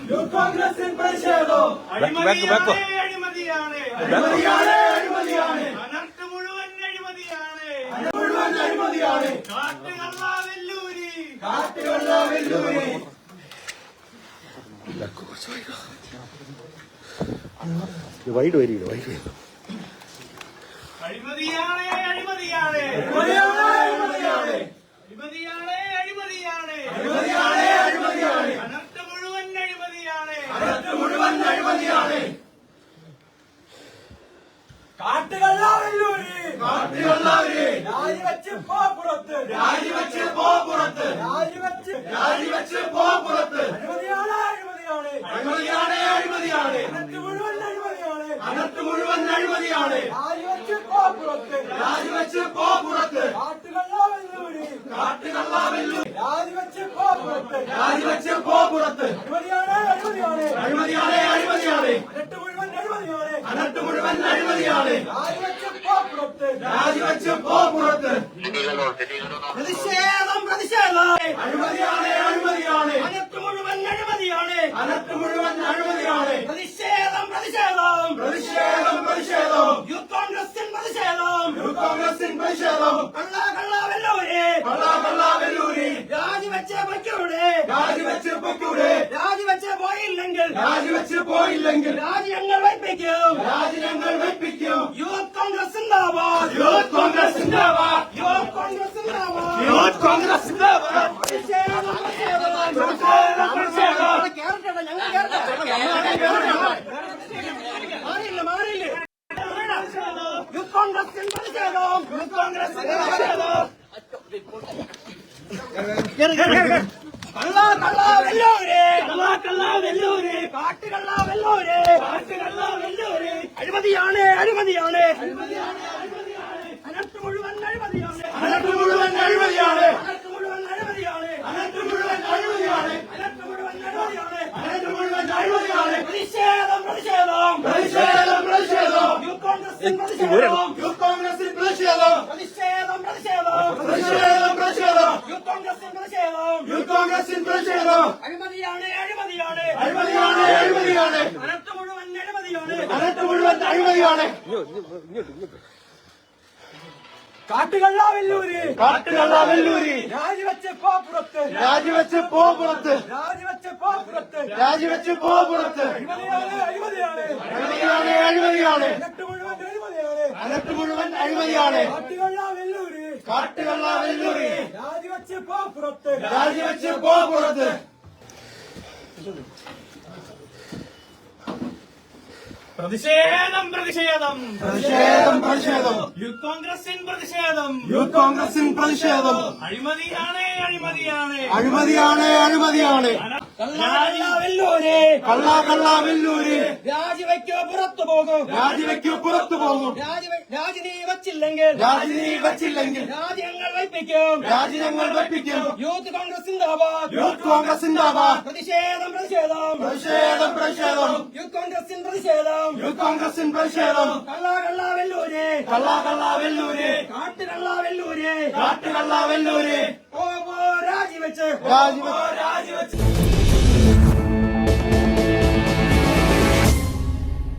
Youth കോൺഗ്രസിൻ പ്രതിഷേധം. അഴിമതിയാണ്. അനർട്ട് മുഴുവൻ അഴിമതിയാണ്. കാട്ടുകള്ള വെല്ലൂരി. വൈഡ് വരിക അഴിമതിയാണ്. അനർട്ട് മുഴുവൻ അഴിമതിയാണ്. കാട്ടുകള്ള വെല്ലൂരി. രാജിവെച്ച് പോ പുറത്ത്. അഴിമതിയാണ്. അനർട്ട് മുഴുവൻ അഴിമതിയാണ്. രാജിവെച്ച് പോ പുറത്ത്. കാട്ടുകള്ള വെല്ലൂരി. രാജിവെച്ച് പോ പുറത്ത്. അഴിമതിയാണ്. അനർട്ട് മുഴുവൻ അഴിമതിയാണ്. രാജിവെച്ച് പോ പുറത്ത്. പ്രതിഷേധം. അഴിമതിയാണ്. അനർട്ട് മുഴുവൻ അഴിമതിയാണ്. പ്രതിഷേധം. യൂത്ത് കോൺഗ്രസിൻ പ്രതിഷേധം. കള്ള വെല്ലൂരി. രാജിവെച്ച് പൊയ്ക്കൂടെ. രാജിവെച്ച് പോയില്ലെങ്കിൽ രാജി ഞങ്ങൾ വയ്പ്പിക്കും. യൂത്ത് കോൺഗ്രസ് സിന്ദാബാദ്. മാറിയില്ലേ യൂത്ത് കോൺഗ്രസിൻ പ്രതിഷേധം. കള്ള വെല്ലൂരി. കാട്ടുകള്ള വെല്ലൂരി. അഴിമതിയാണ്. അനർട്ട് മുഴുവൻ അഴിമതിയാണ്. പ്രതിഷേധം. യൂത്ത് കോൺഗ്രസിൻ പ്രതിഷേധം. യൂത്ത് കോൺഗ്രസിൻ പ്രതിഷേധം. അഴിമതിയാണ്. അനർട്ട് മുഴുവൻ അഴിമതിയാണ്. കാട്ടുകള്ള വെല്ലൂരി. രാജിവെച്ച് പോ പുറത്ത്. അഴിമതിയാണ്. അനർട്ട് മുഴുവൻ അഴിമതിയാണ്. കാട്ടുകള്ള വെല്ലൂരി. രാജിവെച്ച് പോ പുറത്ത്. പ്രതിഷേധം. യൂത്ത് കോൺഗ്രസിൻ പ്രതിഷേധം. അഴിമതിയാണ്. കള്ള വെല്ലൂരി. രാജിവെക്കോ പുറത്തു പോകും. രാജി നീ വച്ചില്ലെങ്കിൽ രാജി ഞങ്ങൾ വയ്പ്പിക്കും. യൂത്ത് കോൺഗ്രസ് സിന്ദാബാദ്. പ്രതിഷേധം. യൂത്ത് കോൺഗ്രസിൻ പ്രതിഷേധം. കള്ള വെല്ലൂരി. കാട്ടുകള്ള വെല്ലൂരി. രാജിവെച്ച്